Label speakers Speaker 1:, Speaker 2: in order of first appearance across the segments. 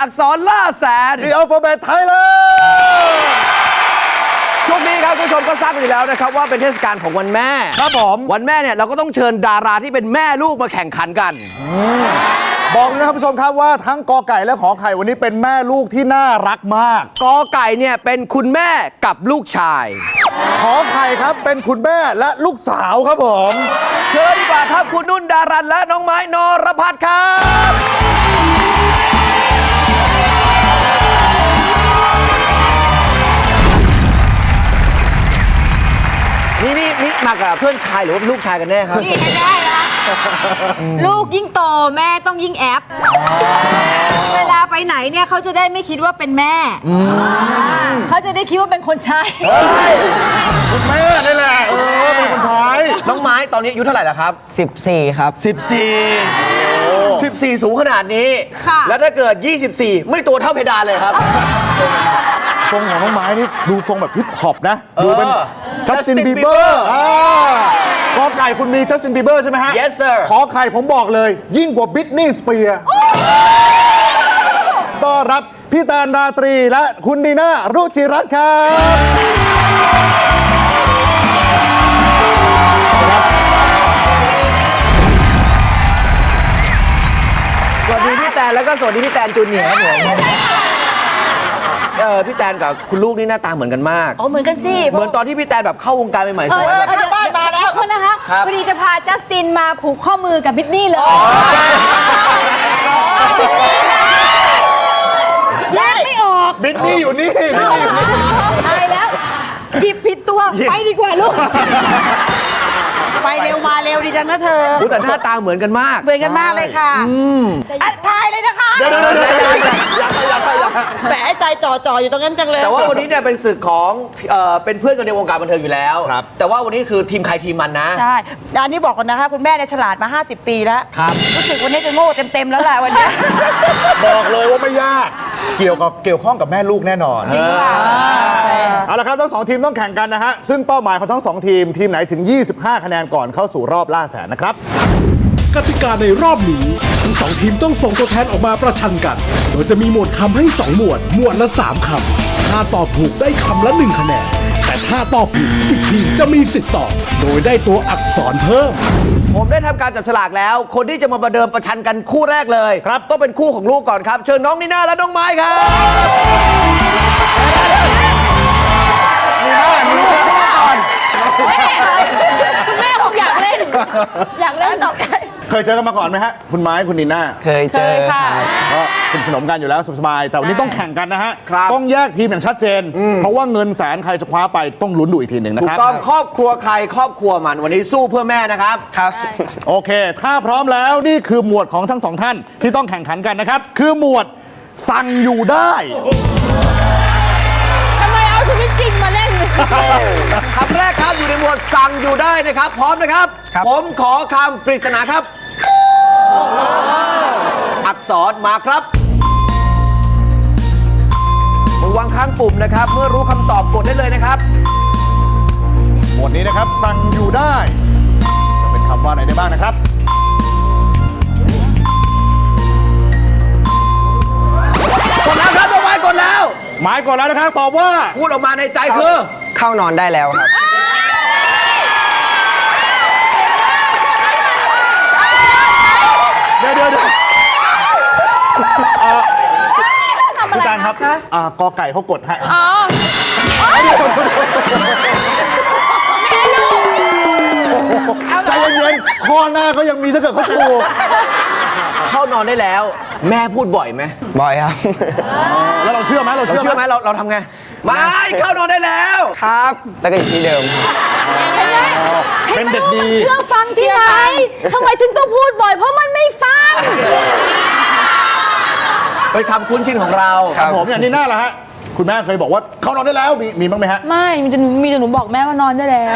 Speaker 1: อักษรล่าแสน
Speaker 2: The Alphabet Thailand
Speaker 1: ช่วงนี้ครับคุณผู้ชมก็ทราบกันอยู่แล้วนะครับว่าเป็นเทศกาลของวันแม่
Speaker 2: ครับผม
Speaker 1: วันแม่เนี่ยเราก็ต้องเชิญดาราที่เป็นแม่ลูกมาแข่งขันกัน
Speaker 2: บอกเลยนะครับผู้ชมครับว่าทั้งกอไก่และขอไข่วันนี้เป็นแม่ลูกที่น่ารักมาก
Speaker 1: กอไก่เนี่ยเป็นคุณแม่กับลูกชาย
Speaker 2: ขอไข่ครับเป็นคุณแม่และลูกสาวครับผม
Speaker 1: เชิญดีกว่าครับคุณนุ่นดารันและน้องไม้นรพัฒน์ครับนี่มากับเพื่อนชายหรือว่าลูกชายกันแน่ครับ
Speaker 3: นี่แน่ๆนะลูกยิ่งโตแม่ต้องยิ่งแอป เวลาไปไหนเนี่ยเขาจะได้ไม่คิดว่าเป็นแม่เขาจะได้คิดว่าเป็นคนใช้
Speaker 2: คุณแม่นี่แหละเป็นคนใช้
Speaker 1: น้องไม้ตอนนี้อายุเท่าไหร่แล้วครับ
Speaker 4: 14 ครับ
Speaker 1: 14 สูงขนาดนี้
Speaker 3: ค่ะ
Speaker 1: แล้วถ้าเกิด 24 ไม่ตัวเท่าเพดานเลยครับ
Speaker 2: ทรงของน้องไม้นี่ดูทรงแบบฮิปฮอปนะ ดูเป็น
Speaker 1: Justin
Speaker 2: จัสติน
Speaker 1: Bieber
Speaker 2: บีเบอร์กอไก่คุณมีจัสตินบีเบอร์ใช่ไหมฮะ
Speaker 1: Yes sir
Speaker 2: ขอไข่ผมบอกเลย ยิ่งกว่าบิทนี่สเปียร์ต้อนรับพี่แตนราตรีและคุณดีน่ารุจิรัตน์ครับ
Speaker 1: สวัสดีพี่แตนแล้วก็สวัสดีพี่แตนจูเนียร์ครับผมพี่แตนกับคุณลูกนี่หน้าตาเหมือนกันมาก
Speaker 3: อ๋อเหมือนกันสิ
Speaker 1: เหมือนตอนที่พี่แตนแบบเข้าวงการใหม่ๆสวยแบบ
Speaker 3: เดี๋ยวบ้านมาแล้วคนนะคะ
Speaker 1: ครับ
Speaker 3: พอดีจะพาจัสตินมาผูกข้อมือกับบิทนี่เลยแยกไม่ออก
Speaker 2: บิทนี่อยู่นี่บิทนี่อยู่นี่
Speaker 3: ตายแล้วหยิบผิดตัวไปดีกว่าลูก
Speaker 5: ไปเร็วมาเร็วดีจังนะเธอ
Speaker 1: อุ๊ยแต่หน้าตาเหมือนกันมาก
Speaker 5: เหมือนกันมากเลยค่ะทายเลยนะคะ
Speaker 2: เดี๋ยวอย่า
Speaker 5: แหมใจจ่ออยู่ตรงนั้นจังเลย
Speaker 1: แต่ว่าวันนี้เนี่ยเป็นศึกของเป็นเพื่อนกันในวงการบันเทิงอยู่แล้ว
Speaker 2: ครับ
Speaker 1: แต่ว่าวันนี้คือทีมใครทีมมันนะ
Speaker 5: ใช่อันนี้บอกก่อนนะคะคุณแม่เนี่ยฉลาดมา 50 ปีแล้ว
Speaker 1: ครับ
Speaker 5: รู้สึกวันนี้จะโง่เต็มๆแล้วแหละวันนี้
Speaker 2: บอกเลยว่าไม่ยาก เกี่ยวข้องกับแม่ลูกแน่นอน
Speaker 5: จริงค่ะ
Speaker 2: เอาละครับทั้งสองทีมต้องแข่งกันนะฮะซึ่งเป้าหมายของทั้งสองทีมทีมไหนถึง 25 คะแนนก่อนเข้าสู่รอบล่าแสนนะครับ
Speaker 6: กติกาในรอบนี้ทั้งสองทีมต้องส่งตัวแทนออกมาประชันกัน โดยจะมีหมวดคำให้ 2 หมวด หมวดละ 3 คำ ถ้าตอบถูกได้คำละ 1 คะแนน แต่ถ้าตอบผิดอีกทีมจะมีสิทธิ์ตอบ โดยได้ตัวอักษรเพิ่ม
Speaker 1: ผมได้ทำการจับฉลากแล้ว คนที่จะมาประเดิมประชันกันคู่แรกเลยครับต้องเป็นคู่ของลูกก่อนครับ เชิญน้องนีน่าและน้องไม้ครับนีน่าลูกเข้ามาก่อน
Speaker 3: คุณแม่คงอยากเล่น อยากเล่น
Speaker 2: เคยเจอกันมาก่อนไหมฮะคุณไม้คุณนีน่า
Speaker 4: เคยเจอ
Speaker 3: ค่ะ
Speaker 2: ก็สนิทสนมกันอยู่แล้วสบายๆแต่วันนี้ต้องแข่งกันนะฮะ
Speaker 1: ครับ
Speaker 2: ต้องแยกทีมอย่างชัดเจน เพราะว่าเงินแสนใครจะคว้าไปต้องลุ้นดูอีกทีหนึ่งนะ
Speaker 1: ถู
Speaker 2: ค
Speaker 1: ก
Speaker 2: รับ
Speaker 1: ต้องครอบครัวใครครอบครัวมันวันนี้สู้เพื่อแม่นะครับ
Speaker 4: ครับ
Speaker 2: โอเค ถ้าพร้อมแล้วนี่คือหมวดของทั้งสองท่านที่ต้องแข่งขันกันนะครับ คือหมวดสั่งอยู่ได้
Speaker 3: ทำไมเอาชีวิตจริงมาเล่น
Speaker 1: คำแรกครับอยู่ในหมวดสั่งอยู่ได้นะครับ พร้อมนะครับ
Speaker 4: ครับ
Speaker 1: ผมขอคำปริศนาครับ อักษรมาครับมือวางข้างปุ่มนะครับ เมื่อรู้คำตอบกดได้เลยนะครับ
Speaker 2: หมวดนี้นะครับสั่งอยู่ได้จะเป็นคำว่าอะไรได้บ้างนะครับ
Speaker 1: กดแล้วครับน้องไม้กดแล้ว
Speaker 2: หมายก่อนแล้วนะครับตอบว่า
Speaker 1: พูดออกมาในใจคือ
Speaker 4: เข้านอนได้แล้วครับ
Speaker 2: เดี๋ยวพี่การครับกอไก่เขากดให้ใจเย็นๆข้อหน้าก็ยังมีถ้าเกิดเขาถูก
Speaker 1: เข้านอนได้แล้ว แม่พูดบ่อยไหม
Speaker 4: บ่อยครับ
Speaker 2: แล้วเราเชื่อไหมเรา
Speaker 1: เรา
Speaker 2: เชื่อ
Speaker 1: เชื่อไห
Speaker 2: ไห
Speaker 1: ม
Speaker 2: ม
Speaker 1: เราทำไงไม่เข้านอนได้แล้ว
Speaker 4: ครับ แล้วก็อยู่ที่เดิมครับ
Speaker 2: เป็นเด็กดี
Speaker 3: เชื่อฟังที่ไหนทำไมถึงต้องพูดบ่อย เพราะมันไม่ฟัง
Speaker 1: เป็นคำคุ้นชินของเรา
Speaker 2: ครับผมอย่างนี้หน้าละฮะคุณแม่เคยบอกว่าเขานอนได้แล้วมีบ้างไหมฮะ
Speaker 7: ไม่มีแต่หนูบอกแม่ว่านอนได้แล้ว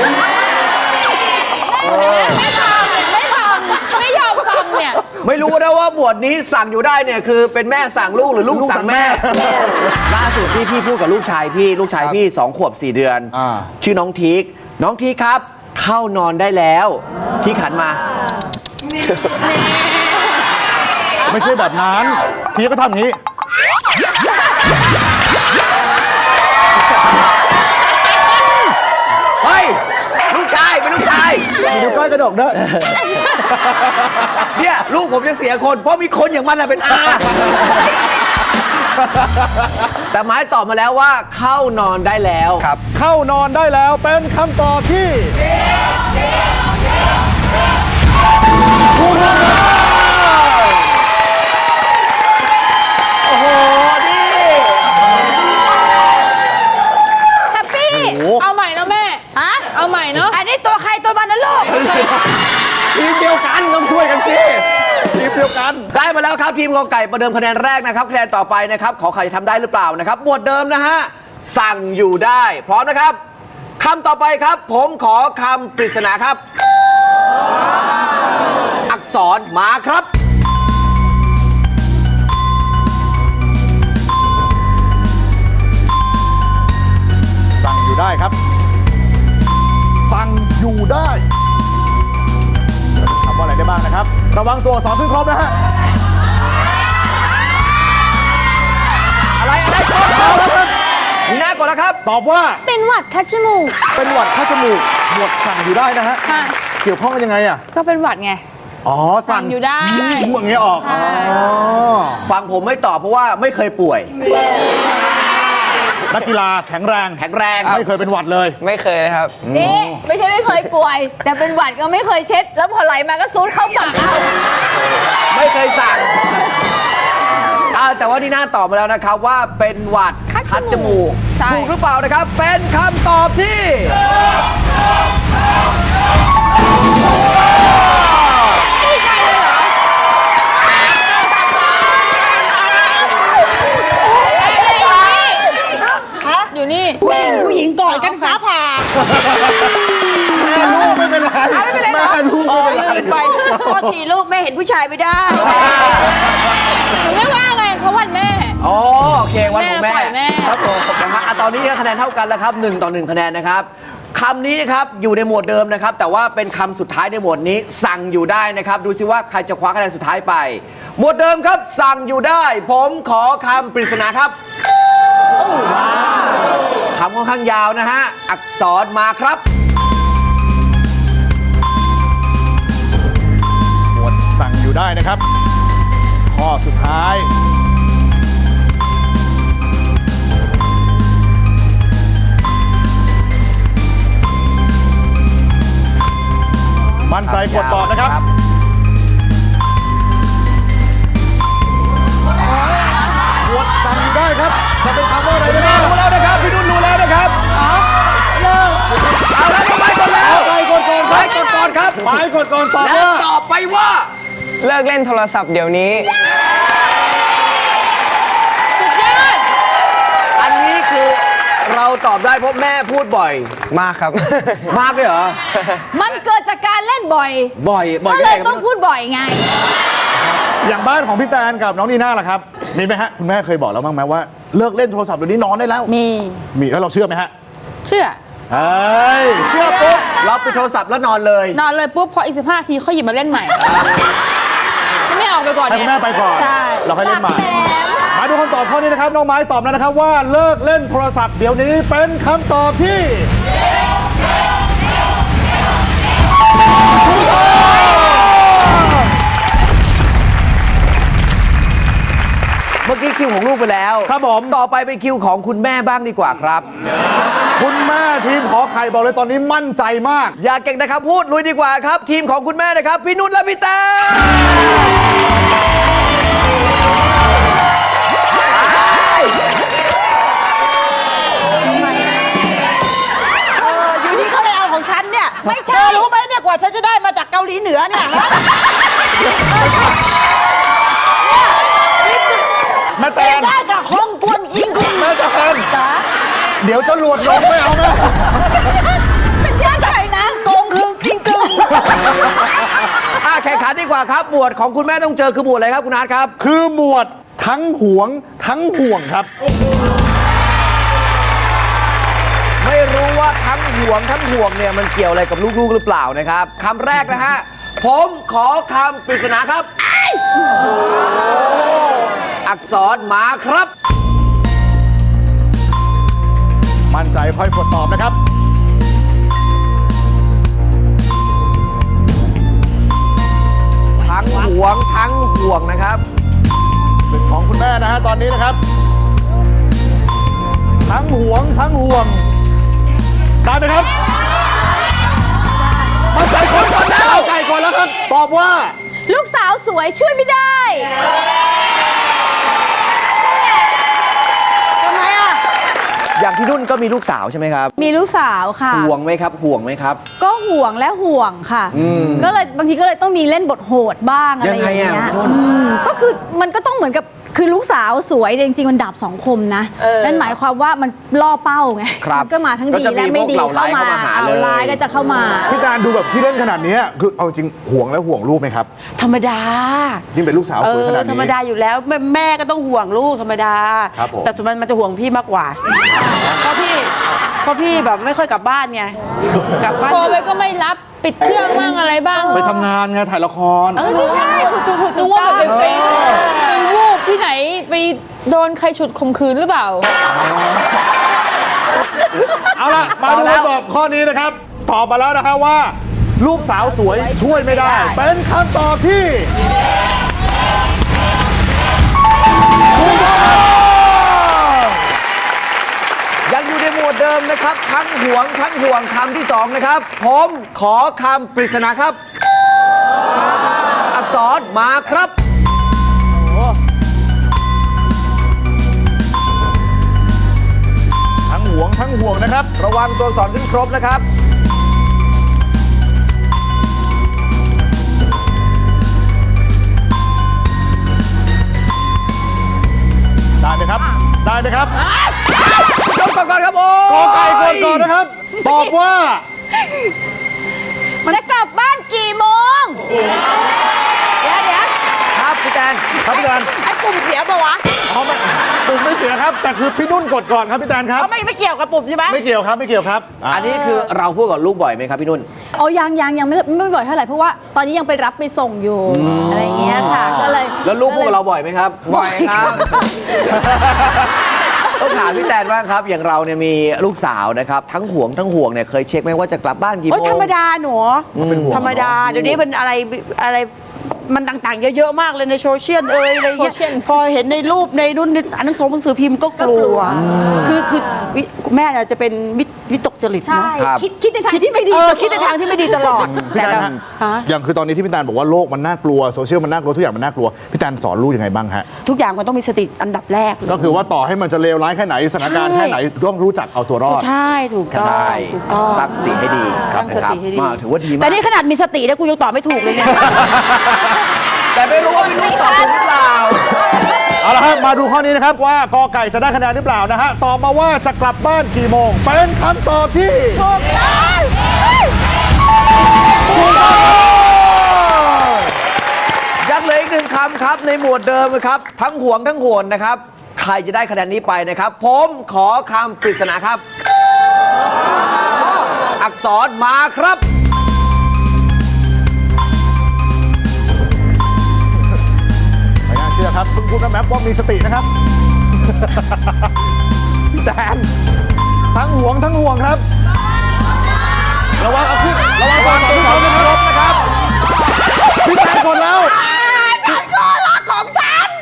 Speaker 7: ไม่ทำไม่ยอมฟังเนี่ย
Speaker 1: ไม่รู้นะว่าหมวดนี้สั่งอยู่ได้เนี่ยคือเป็นแม่สั่งลูกหรือลูกสั่งแม่ ล่าสุดที่พี่พูดกับลูกชายพี่ 2 ขวบ 4 เดือน ชื่อน้องทีกครับ เข้านอนได้แล้วที่ขันมา
Speaker 2: ไม่ใช่แบบนั้นทีก็ทำอย่างนี้
Speaker 1: เฮ้ย ลูกชายเป็นลูกชาย
Speaker 2: มีนิ้วก้อยกระดกด้วย
Speaker 1: เนี่ยลูกผมจะเสียคน เพราะมีคนอย่างมันเป็นอา แต่ไม้ตอบมาแล้วว่าเข้านอนได้แล้ว
Speaker 4: ครับ
Speaker 2: เข้านอนได้แล้วเป็นคำตอบที่ถูกต้อง
Speaker 1: โอ้โห นี่
Speaker 3: แฮปปี้
Speaker 7: เอาใหม่นะแม่
Speaker 5: ฮะ
Speaker 7: เอาใหม่เนาะ
Speaker 5: อันนี้ตัวใครตัวมันนะลูก
Speaker 1: ทีมเดียวกันต้องช่วยกันสิ
Speaker 2: ทีมเดียวกัน
Speaker 1: ได้มาแล้วครับทีมกอไก่ประเดิมคะแนนแรกนะครับคะแนนต่อไปนะครับขอไข่ทำได้หรือเปล่านะครับหมวดเดิมนะฮะสั่งอยู่ได้พร้อมนะครับคำต่อไปครับ ผมขอคำปริศนาครับ อักษรมาครับ
Speaker 2: สั่งอยู่ได้ครับ สั่งอยู่ได้ทำว่าอะไรได้บ้างนะครับ ระวังตัวสองขึ้นครบนะฮะ
Speaker 1: อะไรก่อนแล้วครับมีหน้าก่อนแล้วครับ
Speaker 2: ตอบว่า
Speaker 7: เป็นหวัดคัดจมูก
Speaker 2: เป็นหวัดคัดจมูกหมวดสั่งอยู่ได้นะฮะ
Speaker 7: ค่ะ
Speaker 2: เกี่ยวข้องกันยังไงอ่ะ
Speaker 7: ก็เป็นหวัดไง
Speaker 2: อ๋อ สั่ง
Speaker 7: อยู่ได้
Speaker 2: หมวดอย่างเงี้ยออก
Speaker 7: ใช่
Speaker 2: อ๋อ
Speaker 1: ฟังผมไม่ตอบเพราะว่าไม่เคยป่วย
Speaker 2: นักกีฬาแข็งแรง
Speaker 1: แข็งแรง
Speaker 2: ไม่เคยเป็นหวัดเลย
Speaker 4: ไม่เคยเลยครับ
Speaker 3: นี่ไม่ใช่ไม่เคยป่วย แต่เป็นหวัดก็ไม่เคยเช็ด แล้วพอไหลมาก็ซูดเข้าปากเอา
Speaker 1: ไม่เคยสั่งแต่ว่านี่น่าตอบมาแล้วนะครับว่าเป็นหวัด
Speaker 7: คัดจมูกใช่
Speaker 1: ถูกหรือเปล่านะครับ เป็นคำตอบที่
Speaker 7: อยู่นี่
Speaker 5: ผู้หญิงก่อนกันฟ้าผ่า
Speaker 2: แม่ลูกไม่เป็นไร
Speaker 5: ไม่เป็นไรเหรอ
Speaker 2: แม่ลูก
Speaker 5: อ๋
Speaker 2: ไม่
Speaker 5: อ
Speaker 2: เป็นไร
Speaker 5: ลืมไปโทษทีลูกแม่เห็นผู้ชายไม่ได้
Speaker 7: หนูไม่ว่าไง เพราะวันแม่
Speaker 1: อ๋อโอเควันของแม่
Speaker 7: แม่ปล่อยแม่
Speaker 1: ครับผมนะฮะตอนนี้คะแนนเท่ากันแล้วครับ1 ต่อ 1คะแนนนะครับคำนี้นะครับอยู่ในหมวดเดิมนะครับ แต่ว่าเป็นคำสุดท้ายในหมวดนี้ สั่งอยู่ได้นะครับ ดูสิว่าใครจะคว้าคะแนนสุดท้ายไป หมวดเดิมครับ สั่งอยู่ได้ ผมขอคำปริศนาครับคำค่อนข้างยาวนะฮะอักษรมาครับ
Speaker 2: หมวดสั่งอยู่ได้นะครับ ข้อสุดท้าย มั่นใจกดตอบนะครับ หมวดสั่งอยู่ได้ครับ จะเป็นคำว่าอะไรได้บ้าง
Speaker 1: รู้แล้วนะครับพี่นุ่นรู้แล้วนะครับ
Speaker 7: เลิก
Speaker 1: เอาแล้วไปก่อนแล้ว
Speaker 2: ไปกดก่อน
Speaker 1: ไปกดก่อนครับ
Speaker 2: ไปกดก่อนตอบ
Speaker 1: และ
Speaker 2: ว่า
Speaker 1: ตอบไปว่า
Speaker 4: เลิกเล่นโทรศัพท์เดี๋ยวนี้
Speaker 7: สุดยอด
Speaker 1: อันนี้คือเราตอบได้เพราะแม่พูดบ่อย
Speaker 4: มากครับ
Speaker 1: มากเลยเหรอ
Speaker 3: มันเกิดจากการเล่นบ่อย
Speaker 1: บ่อย
Speaker 3: ก็เลยต้องพูดบ่อยไง
Speaker 2: อย่างบ้านของพี่แตนกับน้องนีน่าล่ะครับ มีไหมฮะ คุณแม่เคยบอกแล้วบ้างไหมว่าเลิกเล่นโทรศัพท์เดี๋ยวนี้นอนได้แล้ว
Speaker 7: มี
Speaker 2: มีแล้วเราเชื่อไหมฮะ
Speaker 7: เชื่อ
Speaker 2: เฮ้ย
Speaker 1: เชื่อปุ๊บเราปิดโทรศัพท์แล้วนอนเลย
Speaker 7: นอนเลยปุ๊บ พออีก15 ทีค่อยหยิบมาเล่นใหม่ ไม่ออกไปก่อน
Speaker 2: ให้คุณแม่ไปก่อน
Speaker 7: ใช่
Speaker 2: เราค่อยเล่นใหม่ มาดูคำตอบข้อนี้นะครับ น้องไม้ตอบแล้วนะครับว่าเลิกเล่นโทรศัพท์เดี๋ยวนี้เป็นคำตอบที่
Speaker 1: เมื่อกี้คิวของลูกไปแล้ว
Speaker 2: ครับผม
Speaker 1: ต่อไปเป็นคิวของคุณแม่บ้างดีกว่าครับ
Speaker 2: คุณแม่ทีมขอไข่บอกเลยตอนนี้มั่นใจมาก
Speaker 1: อย่าเก่งนะครับพูดลุยดีกว่าครับ ทีมของคุณแม่นะครับ พี่นุ่นและพี่แต้ม
Speaker 5: อยู่ที่เขาไปเอาของฉันเนี่ย
Speaker 3: ไม่ใช่
Speaker 5: เธอรู้ไหมเนี่ยกว่าฉันจะได้มาจากเกาหลีเหนือเนี่ยฮะ
Speaker 2: แม่แตน
Speaker 5: ได้จากฮ่องกงยิงคุณ
Speaker 2: แม่แตน
Speaker 5: จ๋า
Speaker 2: เดี๋ยวจะหลวดลงไม่เอาแม่
Speaker 3: เป็นญาติใครนะ
Speaker 5: โกงคือจริงกึ่ง
Speaker 1: แข่งขันดีกว่าครับ หมวดของคุณแม่ต้องเจอคือหมวดอะไรครับคุณอาร์ตครับ
Speaker 2: คือหมวดทั้งหวงทั้งห่วงครับ
Speaker 1: ไม่รู้ว่าทั้งห่วงเนี่ยมันเกี่ยวอะไรกับลูกๆหรือเปล่านะครับคำแรกนะฮะผมขอคำปริศนาครับ อัอักษรมาครับ
Speaker 2: มั่นใจค่อยกดตอบนะครับ
Speaker 1: ทั้งหวงทั้งห่วงนะครับ
Speaker 2: ศึกของคุณแม่นะฮะตอนนี้นะครับ ทั้งหวงทั้งห่วงได้ไหมครับมั่นใจก่อนแล้วมั่นใจก่อนแล้วครับ ตอบว่า
Speaker 3: ลูกสาวสวยช่วยไม่ได้
Speaker 5: ทำไมอ่ะ
Speaker 1: อย่างพี่นุ่นก็มีลูกสาวใช่ไหมครับ
Speaker 3: มีลูกสาวค่ะ
Speaker 1: ห่วงไหมครับห่วงไหมครับ
Speaker 3: ก็ห่วงและห่วงค่ะ ก็เลยบางทีก็เลยต้องมีเล่นบทโหดบ้างอะไรอย่าง
Speaker 1: ยังไง
Speaker 3: เงี้ย
Speaker 1: อ่ะนุ่น
Speaker 3: ก็คือมันก็ต้องเหมือนกับคือลูกสาวสวยแต่จริงๆมันดาบสองคมนะนั่นหมายความว่ามันล่อเป้าไง
Speaker 1: ครับ
Speaker 3: มันก็มาทั้ง
Speaker 1: ก็
Speaker 3: ดี
Speaker 1: จะมี
Speaker 3: และไม่ดี
Speaker 1: พวกเหล่าร้าย
Speaker 3: เข้ามา
Speaker 1: เข้ามาหา
Speaker 3: เอา
Speaker 1: เลย
Speaker 3: ร้ายก็จะเข้ามา
Speaker 2: พี่การดูแบบที่เล่นขนาดนี้คือเอาจริงห่วงแล้วห่วงลูกไหมครับ
Speaker 5: ธรรมดา
Speaker 2: ยิ่งเป็นลูกสาวสวยขนาดนี้
Speaker 5: ธรรมดาอยู่แล้วแม่ก็ต้องห่วงลูกธรรมดา
Speaker 2: ครับผม
Speaker 5: แต่ส่วนมันจะห่วงพี่มากกว่าเพราะพี่แบบไม่ค่อยกลับบ้านไงกลับบ้าน
Speaker 7: โทรไปก็ไม่รับปิดเครื่องบ้างอะไรบ้าง
Speaker 2: ไปทำงานไงถ่ายละคร
Speaker 5: ไม่ใช่พูดถูก
Speaker 7: นึกว่าแบบไปวูบที่ไหนไปโดนใครฉุดข่มขืนหรือเปล่า
Speaker 2: เอาล่ะ มาดูคำตอบข้อนี้นะครับ ตอบมาแล้วนะฮะว่า ลูกสาวสวยช่วยไม่ได้ เป็นคำตอบที่ถูกต้อง
Speaker 1: ยังอยู่ในหมวดเดิมนะครับ ทั้งห่วงทั้งห่วงคำที่สองนะครับ ผมขอคำปริศนาครับ อักษรมาครับ
Speaker 2: ทั้งห่วงทั้งห่วงนะครับ
Speaker 1: ระวังตัวอักษรขึ้นครบนะครับ
Speaker 2: ได้ไหมครับ ได้ไหมครับ
Speaker 1: ยกก่อนครับโอ้
Speaker 2: กอไก่ก่อนก่อนนะครับ ตอบว่า
Speaker 3: จะกลับบ้านกี่โมง
Speaker 5: เดี๋ยว
Speaker 1: ครับพี่แตน
Speaker 2: ครับพี่แตน
Speaker 5: ไอ้ปุ่มเสียปะวะ
Speaker 2: อ๋อไม่ปุ่มไม่เสียครับ แต่คือพี่นุ่นกดก่อนครับพี่แตนครับ
Speaker 5: เขาไม่เกี่ยวกับปุ่มใช่ไหม
Speaker 2: ไม่เกี่ยวครับไม่เกี่ยวครับ
Speaker 1: อันนี้คือเราพูดกับลูกบ่อยไหมครับพี่นุ่น
Speaker 3: อ๋อยังไม่บ่อยเท่าไหร่เพราะว่าตอนนี้ยังไปรับไปส่งอยู่อะไรอย่างเงี้ยค่ะก็เลย
Speaker 1: แล้วลูกพูดกับเราบ่อยไหมครับ
Speaker 4: บ่อยครับ
Speaker 1: ต้องถามพี่แตนบ้างครับ อย่างเราเนี่ยมีลูกสาวนะครับ ทั้งห่วงทั้งห่วงเนี่ยเคยเช็คไหมว่าจะกลับบ้านกี่โม
Speaker 5: โอ้ย
Speaker 1: ง
Speaker 5: ธรรมดาหนู
Speaker 2: เป็นห่วง
Speaker 5: ธรรมดา เดี๋ยวนี้มันอะไรมันต่างๆ เยอะๆมากเลยในโซเชียลอะไรเงี้ย
Speaker 7: โซเชียล
Speaker 5: พอเห็นในรูปในรุ่นอ่านหนังสือพิมพ์ก็กลัว คือแม่น่ะจะเป็นวิตกจริต
Speaker 3: ใช่
Speaker 5: นะ
Speaker 3: คิดในทางที่ไม่ดี
Speaker 5: คิดในทางที่ไม่ดีตลอด
Speaker 2: พี่
Speaker 5: แต่
Speaker 2: แตน
Speaker 5: เรา
Speaker 2: ฮะ
Speaker 5: ฮะ
Speaker 2: อย่างคือตอนนี้ที่พี่แตนบอกว่าโลกมันน่ากลัวโซเชียลมันน่ากลัวทุกอย่างมันน่ากลัวพี่แตนสอนลูกยังไงบ้างฮะ
Speaker 5: ทุกอย่างมันต้องมีสติอันดับแรก
Speaker 2: ก็คือว่าต่อให้มันจะเลวร้ายแค่ไหนสถานการณ์แค่ไหนต้องรู้จักเอาตัวรอด
Speaker 5: ใช่ถูกต้อง
Speaker 1: ได้
Speaker 5: ถูกต้อง
Speaker 1: ตั้งสติให้ดี
Speaker 5: ตั้งสติให้ดี
Speaker 1: ถือว่าดีมาก
Speaker 5: แต่นี่ขนาดมีสติแล้วกูยังตอบไม่ถูกเลยเนี่ย
Speaker 1: แต่ไม่รู้ว่าพี่นุ่นตอบถูกหรือเปล่า
Speaker 2: เอาละครับมาดูข้อนี้นะครับว่ากอไก่จะได้คะแนนหรือเปล่านะฮะตอบมาว่าจะกลับบ้านกี่โมงเป็นคำตอบที่
Speaker 5: ถูกต้อง
Speaker 2: ถูกต้อง
Speaker 1: ยังเหลืออีกหนึ่งคำครับในหมวดเดิมนะครับ ทั้งห่วงทั้งห่วงนะครับ ใครจะได้คะแนนนี้ไปนะครับ ผมขอคำปริศนาครับ อักษรมาครับ
Speaker 2: ไม่น่าเชื่อครับคุณแมปว่ามีสตินะครับ พี่แตนทั้งห่วงทั้งห่วงครับระวังเอาขึ้นระวังความตื่นเขานะครับ พี่แตนกดแล้ว
Speaker 5: ฉันก็รักของฉัน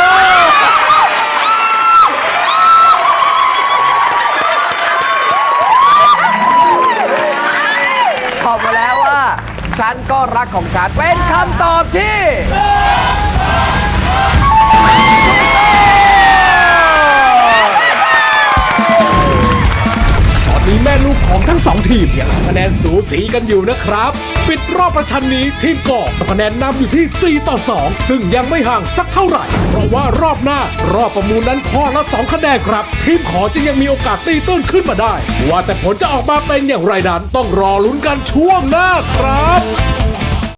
Speaker 1: ตอบมาแล้วว่า ฉันก็รักของฉันเป็นคำตอบที่
Speaker 6: ตอนนี้แม่ลูกของทั้งสองทีมยังคะแนนสูสีกันอยู่นะครับ ปิดรอบประชันนี้ทีมกอคะแนนนำอยู่ที่ 4-2 ซึ่งยังไม่ห่างสักเท่าไหร่ เพราะว่ารอบหน้ารอบประมูลนั้นข้อละ 2 คะแนนครับ ทีมขอจึงยังมีโอกาสตีตื้นขึ้นมาได้ ว่าแต่ผลจะออกมาเป็นอย่างไรนั้นต้องรอลุ้นกันช่วงหน้าครับ